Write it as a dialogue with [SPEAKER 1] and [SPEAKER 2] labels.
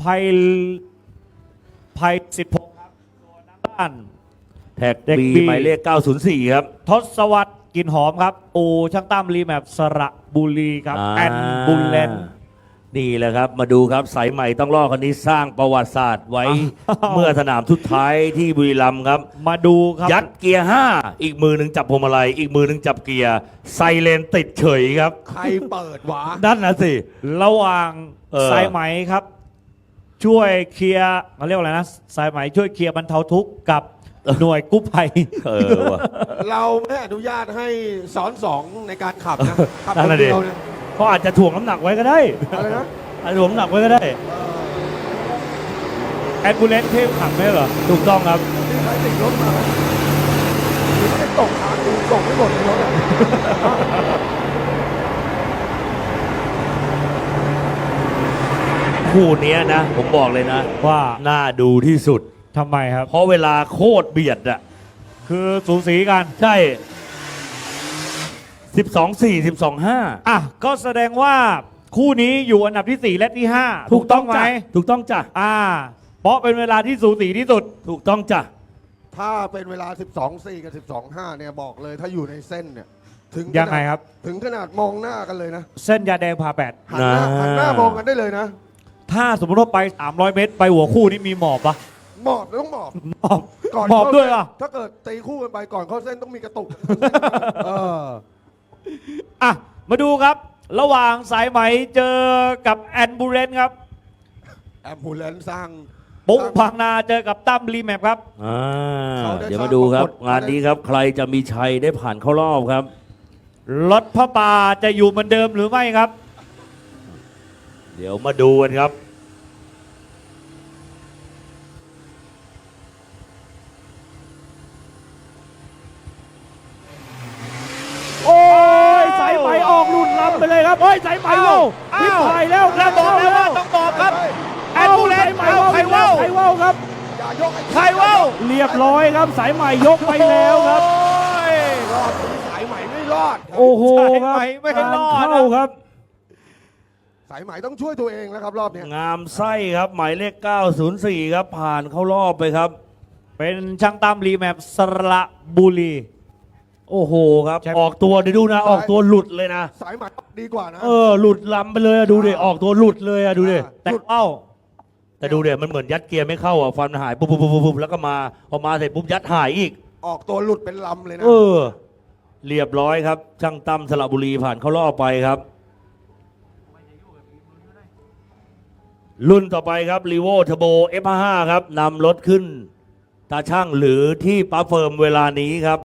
[SPEAKER 1] ไพสิทธิพงศ์ครับตัวน้ำด้าน
[SPEAKER 2] แท็ก
[SPEAKER 1] เด็ก
[SPEAKER 2] บี
[SPEAKER 1] B
[SPEAKER 2] หมายเลข 904 ครับ
[SPEAKER 1] ทศวรรษกลินหอมครับอูช่างตั้มรีแมปสระบุรีครับแอนบุลเลน
[SPEAKER 2] นี่แหละครับ มาดูครับสายใหม่ต้องรอดคนนี้สร้างประวัติศาสตร์ไว้
[SPEAKER 1] อ้าว
[SPEAKER 2] เมื่อสนามทุดท้ายที่บุรีรัมย์ครับ
[SPEAKER 1] มาดูครับ
[SPEAKER 2] ยัดเกียร์ 5 อีกมือหนึ่งจับพวงมาลัยอีกมือหนึ่งจับเกียร์ไซเรนติดเฉยครับ
[SPEAKER 3] ใครเปิดวะ
[SPEAKER 2] นั่นนะสิ
[SPEAKER 1] ระหว่าง
[SPEAKER 2] เ
[SPEAKER 1] สายไหมครับ ช่วยเคลียร์เขาเรียกว่าอะไรนะสายไหมช่วยเคลียร์บรรเทาทุกข์กับหน่วยกู้ภัย
[SPEAKER 2] ว่ะ
[SPEAKER 3] เราไม่อนุญาตให้สอนสองในการขับนะขับ
[SPEAKER 2] นั่
[SPEAKER 3] คน น
[SPEAKER 2] น่ะดิ
[SPEAKER 3] เดียวเนี่ย
[SPEAKER 2] เขาอาจจะถ่วงน้ำหนักไว้ก็ได้
[SPEAKER 3] อะไรนะ
[SPEAKER 2] อาจจะถ่วงน้ำหนักไว้ก็ได้
[SPEAKER 1] แอนบูเลนเทพขับไหมเหรอ
[SPEAKER 2] ถูกต้องครับ
[SPEAKER 3] นี่ใครติดรถมาหรือไม่ตกทางดูส่งไม่หมดในรถอะ
[SPEAKER 2] คู่เนี้ยนะ ผมบอกเลยนะ
[SPEAKER 1] ว่า
[SPEAKER 2] น่าดูที่สุด
[SPEAKER 1] ทำไมครับ
[SPEAKER 2] เพราะเวลาโคตรเบียดอะ
[SPEAKER 1] คือสูสีกัน
[SPEAKER 2] ใช่ 12-4 12-5
[SPEAKER 1] อ่ะก็แสดงว่าคู่นี้อยู่อันดับที่ 4 และที่ 5
[SPEAKER 2] ถูกต้อง
[SPEAKER 1] ไหม
[SPEAKER 2] จ้ะถูกต้องจ้ะ
[SPEAKER 1] เพราะเป็นเวลาที่สูสีที่สุด
[SPEAKER 2] ถูกต้องจ้ะ
[SPEAKER 3] ถ้าเป็นเวลา 12.4 กับ 12.5 เนี่ยบอกเลยถ้าอยู่ในเส้นเนี่ยถึง
[SPEAKER 1] ยังไงครับ
[SPEAKER 3] ถึงขนาดมองหน้ากันเลยนะ
[SPEAKER 1] เส้นยาแดงพาแปด
[SPEAKER 3] หันหน้ามองกันได้เลยนะ
[SPEAKER 1] ถ้าสมมติว่าไป 300 เมตร ไปหัวคู่นี่มีหมอบปะ
[SPEAKER 3] หมอบต้องหมอบ
[SPEAKER 1] หมอบ
[SPEAKER 3] ก่อน
[SPEAKER 1] หมอบด้วย
[SPEAKER 3] เข้า
[SPEAKER 1] อ่ะ
[SPEAKER 3] เส้นถ้าเกิดตีคู่กันไปก่อนเข้าเส้นต้องมีกระตุกเออ
[SPEAKER 1] อ่ะ มาดูครับ ระหว่างสายไหมเจอกับแอนบูเรนครับ
[SPEAKER 3] แอมบูเลนสร้าง
[SPEAKER 1] ปุ๊กพังนาเจอกับตั้มรีแมปครับ
[SPEAKER 3] เขาได้
[SPEAKER 2] เดี๋ยวมาดูครับ
[SPEAKER 3] สร้างปรากฏ
[SPEAKER 2] งานนี้ครับ ใครจะมีชัยได้ผ่านเข้ารอบครับ
[SPEAKER 1] รถพระป่าจะอยู่เหมือนเดิมหรือไม่ครับ
[SPEAKER 2] เดี๋ยวมาดูกันครับ
[SPEAKER 4] โอ้ยสายไหมออกหลุดลำไปเลยครับเฮ้ยสายไหมเว้าพิพายแล้ว
[SPEAKER 1] แล้วบอกแล้วว่าต้องบอกครับ แอนบูเรน
[SPEAKER 4] สายไหม
[SPEAKER 1] เอาใครเว้า
[SPEAKER 4] ใครเว้าครับ
[SPEAKER 3] อย่ายกไอ้
[SPEAKER 1] ใครเว้า
[SPEAKER 4] เรียบร้อยครับ สายไหมยกไปแล้วครับ
[SPEAKER 1] โอ้ย
[SPEAKER 3] รอดสายไหมไม่รอดครับ
[SPEAKER 4] โอ้โหครับ
[SPEAKER 1] สายไหมไม่รอดนะ
[SPEAKER 4] เข้าครับ
[SPEAKER 3] สายไหมต้องช่วยตัวเองแล้วครับรอบเนี้ย
[SPEAKER 2] งามไส้ครับ หมายเลข 904 ครับ ผ่านเข้ารอบไปครับ
[SPEAKER 1] เป็นช่างตั้มรีแมปสระบุรี
[SPEAKER 2] โอ้โหครับ
[SPEAKER 1] แชมป์
[SPEAKER 2] ออกตัวเดี๋ยวดูนะ ออกตัวหลุดเลยนะ
[SPEAKER 3] สายไหมดีกว่านะ
[SPEAKER 2] หลุดลำไปเลยอะดูดิออกตัวหลุดเลยอะดูดิ
[SPEAKER 1] แต่เอ้า
[SPEAKER 2] แต่ดูเดี๋ยวมันเหมือนยัดเกียร์ไม่เข้าอ่ะฟันหายปุ๊บปุ๊บปุ๊บปุ๊บแล้วก็มาพอมาเสร็จปุ๊บยัดหายอีก
[SPEAKER 3] ออกตัวหลุดเป็นลำเลยนะ
[SPEAKER 2] เรียบร้อยครับ ช่างตั้มสระบุรีผ่านเข้ารอบไปครับ รุ่นต่อไปครับรีโวเทอร์โบ F55 ครับนำรถขึ้นตาช่างหรือที่ปั๊มเฟิร์มเวลานี้ครับ